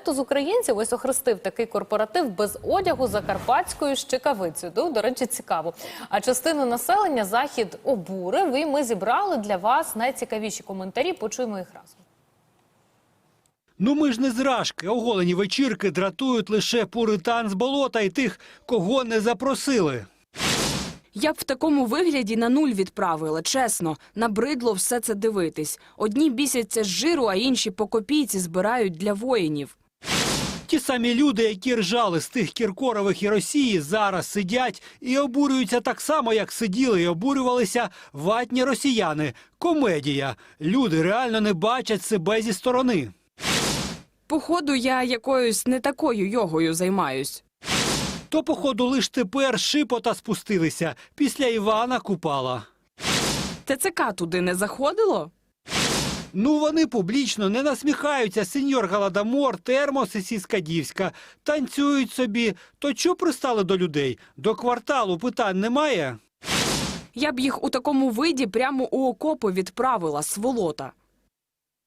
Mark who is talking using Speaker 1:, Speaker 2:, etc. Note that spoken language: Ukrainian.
Speaker 1: Дехто з українців ось охрестив такий корпоратив без одягу закарпатською щекавицею. До речі, цікаво. А частину населення Захід обурив, і ми зібрали для вас найцікавіші коментарі. Почуємо їх разом.
Speaker 2: Ну ми ж не зражки. Оголені вечірки дратують лише пуритан з болота і тих, кого не запросили.
Speaker 3: Я б в такому вигляді на нуль відправила, чесно. Набридло все це дивитись. Одні бісяться з жиру, а інші по копійці збирають для воїнів.
Speaker 2: Ті самі люди, які ржали з тих Кіркорових і Росії, зараз сидять і обурюються так само, як сиділи і обурювалися ватні росіяни. Комедія. Люди реально не бачать себе зі сторони.
Speaker 3: Походу, я якоюсь не такою йогою займаюсь.
Speaker 2: То, походу, лиш тепер шипота спустилися після Івана Купала.
Speaker 3: ТЦК туди не заходило?
Speaker 2: Ну, вони публічно не насміхаються, сеньор Голодомор, Термос і Сіскадівська. Танцюють собі. То чого пристали до людей? До кварталу питань немає?
Speaker 3: Я б їх у такому виді прямо у окопи відправила, сволота.